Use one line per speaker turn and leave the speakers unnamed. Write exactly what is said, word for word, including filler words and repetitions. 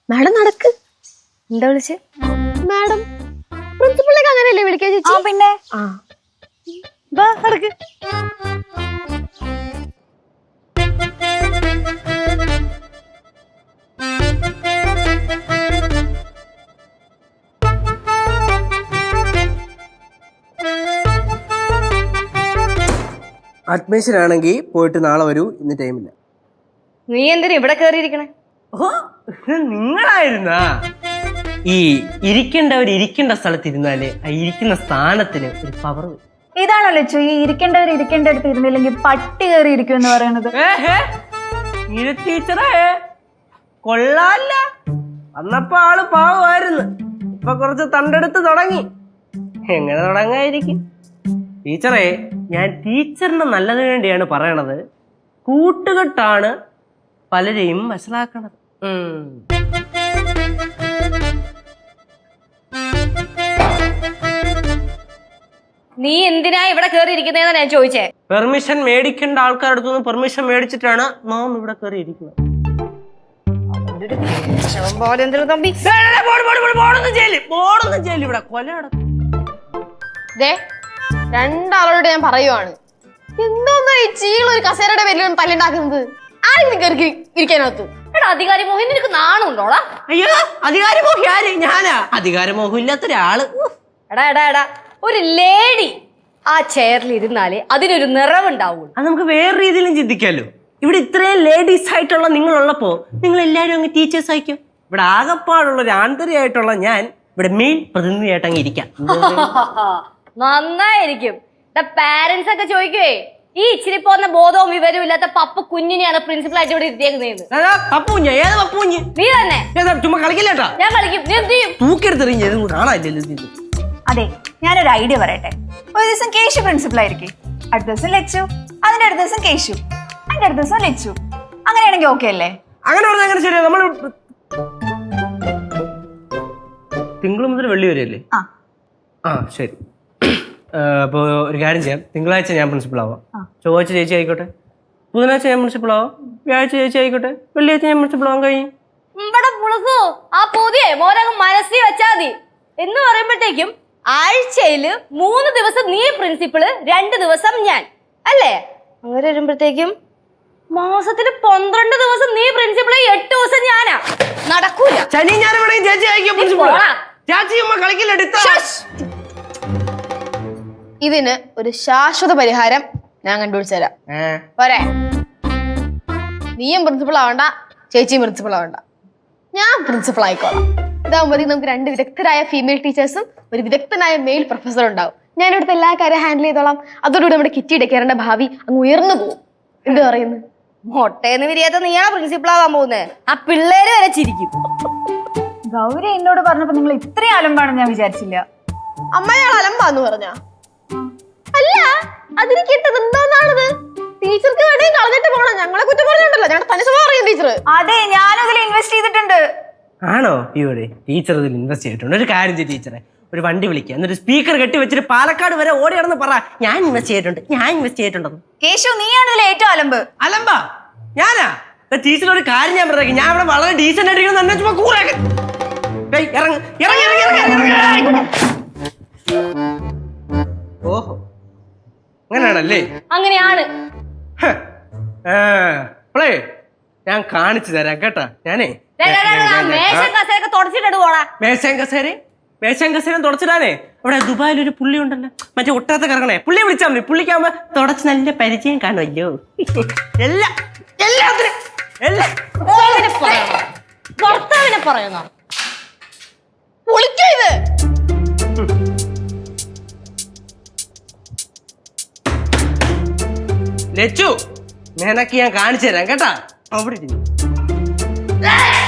Madam നടക്ക്. എന്താ വിളിച്ച്? മാഡം പ്രിൻസിപ്പളിലേക്ക് അങ്ങനെയല്ലേ വിളിക്കാൻ ചേച്ചി?
പിന്നെ
ആ വാ നടക്ക്.
അഡ്മിഷൻ ആണെങ്കിൽ പോയിട്ട് നാളെ വരൂ, ഇന്ന് ടൈമില്ല.
നീ എന്തിനാ ഇവിടെ കേറിയിരിക്കണേ?
ഓ നിങ്ങളായിരുന്നാ? ഈ ഇരിക്കേണ്ടവർ ഇരിക്കേണ്ട സ്ഥലത്ത് ഇരുന്നാലേ ആ ഇരിക്കുന്ന സ്ഥാനത്തിന് ഒരു പവർ.
ഇതാണോ ലച്ചു ഈ ഇരിക്കേണ്ടവർ ഇരിക്കേണ്ട അടുത്ത് ഇരുന്നില്ലെങ്കിൽ പട്ടി കയറി ഇരിക്കും എന്ന് പറയുന്നത്?
ടീച്ചറേ കൊള്ളാല്ല, വന്നപ്പോ ആള് പാവമായിരുന്നു, ഇപ്പൊ കുറച്ച് തണ്ടെടുത്ത് തുടങ്ങി. എങ്ങനെ തുടങ്ങായിരിക്കും? ടീച്ചറേ, ഞാൻ ടീച്ചറിന് നല്ലതിന് വേണ്ടിയാണ് പറയണത്. കൂട്ടുകെട്ടാണ് പലരെയും മനസ്സിലാക്കണത്.
നീ എന്തിനാ ഇവിടെ കേറി ഇരിക്കുന്നതെന്നാ ഞാൻ ചോദിച്ചേ.
പെർമിഷൻ മേടിക്കേണ്ട ആൾക്കാരുടെ അടുത്തുനിന്ന് പെർമിഷൻ മേടിച്ചിട്ടാണ് നാം ഇവിടെ കയറി ഇരിക്കുന്നത്. ഇവിടെ കൊല
രണ്ടാളോട് ഞാൻ പറയുവാണ്, എന്തോന്നാ ഈ ചീളൊരു കസേരയുടെ പേരിൽ തല്ലുണ്ടാക്കുന്നത്? ആരെങ്കിലും കയറി ഇരിക്കാനകത്ത്? എടാ അധികാരി മോഹൻ, നിനക്ക് നാണുണ്ടോടാ?
അയ്യോ അധികാരി മോഹി ആര്? ഞാനാ അധികാര മോഹം ഇല്ലാത്ത ഒരാള്.
എടാ എടാ എടാ ഒരു ലേഡി ആ ചെയറിൽ ഇരുന്നാലേ അതിനൊരു നിറവുണ്ടാവുള്ളൂ.
അത് നമുക്ക് വേറെ രീതിയിലും ചിന്തിക്കാമല്ലോ. ഇവിടെ ഇത്രയും ലേഡീസ് ആയിട്ടുള്ള നിങ്ങളുള്ളപ്പോ നിങ്ങൾ എല്ലാവരും അങ്ങ് ടീച്ചേഴ്സ് ആയിരിക്കും. ഇവിടെ ആകപ്പാടുള്ള ഒരു ആന്തരികമായിട്ടുള്ള ഞാൻ ഇവിടെ മെയിൻ പ്രതിനിധിയായിട്ട് അങ്ങ് ഇരിക്കാം.
നന്നായിരിക്കും. പാരന്റ്സ് ഒക്കെ ചോദിക്കുവേ, ഈ ഇച്ചിരി പോന്ന ബോധവും വിവരവും ഇല്ലാത്ത പപ്പു കുഞ്ഞിനെയാണ് പ്രിൻസിപ്പൽ ആയിട്ട് ഇവിടെ ഇരുത്തിയേക്കുന്നത്. നീ തന്നെ.
ചുമ്മാ കളിക്കില്ലേട്ടാ,
ഞാൻ കളിക്കും. നീ എന്ത് ചെയ്യും?
തൂക്കെടുത്തെറിഞ്ഞത് കാണാനില്ലല്ലോ.
അതെ, ഞാനൊരു ഐഡിയ പറയട്ടെ. ഒരു ദിവസം കേശു പ്രിൻസിപ്പൽ ആയിരിക്കും, അടുത്ത ദിവസം ലച്ചു, അതിന്റെ അടുത്ത ദിവസം കേശു, അതിന്റെ അടുത്ത ദിവസം ലച്ചു. അങ്ങനെയാണെങ്കിൽ ഓക്കെ അല്ലേ?
അങ്ങനെ പറഞ്ഞാൽ അങ്ങനെ ശരിയാ. നമ്മൾ തിങ്കൾ മുതൽ വെള്ളി വരെയല്ലേ? ആ ശരി. അപ്പോൾ ഒരു കാര്യം ചെയ്യാം, തിങ്കളാഴ്ച ഞാൻ പ്രിൻസിപ്പൾ ആവാം, ചൊവ്വാഴ്ച ചേച്ചി ആയിക്കോട്ടെ, ബുധനാഴ്ച ഞാൻ പ്രിൻസിപ്പൾ ആവാം, വ്യാഴാഴ്ച ചേച്ചി ആയിക്കോട്ടെ, വെള്ളിയാഴ്ച ഞാൻ പ്രിൻസിപ്പൾ ആവാൻ കഴിയും.
ആ പുതിയ മോനകം മനസ്സിൽ വെച്ചാൽ മതി. എന്ന് പറയുമ്പോഴത്തേക്കും ആഴ്ചയില് മൂന്ന് ദിവസം നീ പ്രിൻസിപ്പള്, രണ്ട് ദിവസം ഞാൻ, അല്ലേ? അങ്ങനെ വരുമ്പോഴത്തേക്കും മാസത്തില് പന്ത്രണ്ട് ദിവസം നീ പ്രിൻസിപ്പള്, എട്ട് ദിവസം ഞാനാ. നടക്കൂല.
ശനി ഞാൻ ചേച്ചി ആയിരിക്കും പ്രിൻസിപ്പൾ.
ഇതിന് ഒരു ശാശ്വത പരിഹാരം ഞാൻ കണ്ടുപിടിച്ചു തരാം. പോരെ? നീയും പ്രിൻസിപ്പൾ ആവണ്ട, ചേച്ചിയും പ്രിൻസിപ്പൾ ആവണ്ട, ഞാൻ പ്രിൻസിപ്പൾ ആയിക്കോളാം. ഇതാകുമ്പോഴത്തേക്ക് നമുക്ക് രണ്ട് വിദഗ്ധരായ ഫീമെയിൽ ടീച്ചേഴ്സും ഒരു വിദഗ്ധനായ മെയിൽ പ്രൊഫസറും ഉണ്ടാവും. ഞാൻ ഇവിടുത്തെ എല്ലാ കാര്യം ഹാൻഡിൽ ചെയ്തോളാം. അതോടുകൂടി നമ്മുടെ കിറ്റിയുടെ കയറേണ്ട ഭാവി അങ്ങ് ഉയർന്നു പോകും. എന്ത് പറയുന്നു? മൊട്ടേന്ന് വിരിയാത്ത നീയാണ് പ്രിൻസിപ്പൾ ആവാൻ പോകുന്നത്. ആ പിള്ളേര് വരെ ചിരിക്കും.
ഗൗരി എന്നോട് പറഞ്ഞപ്പോ നിങ്ങൾ ഇത്രയും അലമ്പാണെന്ന് ഞാൻ വിചാരിച്ചില്ല.
അമ്മ ഞാൻ അലമ്പാന്ന് പറഞ്ഞ അല്ല, അതിന് കിട്ടത് എന്തോന്നാണത്? ടീച്ചർക്ക് വേണ്ടി കളഞ്ഞിട്ട് പോകണം. ഞങ്ങളെ കുറ്റം പറഞ്ഞിട്ടുണ്ടല്ലോ, ഞങ്ങളുടെ തനി സ്വഭാവം അറിയാം ടീച്ചർ.
അതെ, ഞാനും അതിൽ ഇൻവെസ്റ്റ് ചെയ്തിട്ടുണ്ട്.
ആണോ? ഇവിടെ ടീച്ചർ ഇതിൽ ഇൻവെസ്റ്റ് ചെയ്തിട്ടുണ്ട്. ഒരു കാര്യം ചെയ്യും ടീച്ചറെ, ഒരു വണ്ടി വിളിക്കുക, എന്നിട്ട് സ്പീക്കർ കെട്ടി വെച്ചിട്ട് പാലക്കാട് വരെ ഓടി നടന്ന് പറ, ഞാൻ ഇൻവെസ്റ്റ് ചെയ്തിട്ടുണ്ട്, ഞാൻ ഇൻവെസ്റ്റ് ചെയ്തിട്ടുണ്ടെന്ന്.
കേശു, നീയാണ് ഇതിൽ ഏറ്റവും അലമ്പ്.
അലമ്പാ ഞാനാ? ടീച്ചർ ഒരു കാര്യം ഞാൻ പറയാം, ഞാൻ ഇവിടെ വളരെ ഡീസന്റ് ആയിട്ടിരിക്കുന്നു, തന്നെ ചുമ്മാ കൂറാക്കി. ഓഹോ, അങ്ങനെയാണല്ലേ?
അങ്ങനെയാണ്.
ഞാൻ കാണിച്ചു തരാം കേട്ടാ. ഞാനേ
മേശം കസേര
മേശം കസേരം തുടച്ചിടാനേ ഇവിടെ ദുബായിൽ ഒരു പുള്ളി ഉണ്ടല്ലോ, മറ്റേ ഒട്ടാത്ത കറങ്ങണേ, പുള്ളിയെ വിളിച്ചാൽ മതി. പുള്ളിക്കാവുമ്പോ തുടച്ച് നല്ല പരിചയം കാണുമല്ലോ. എല്ലാ എല്ലാത്തിനും
ഭർത്താവിനെ പറയുന്നോ? പൊളിക്കത്
ലച്ചു, നിനക്ക് ഞാൻ കാണിച്ചു തരാം കേട്ടാ. അവിടെ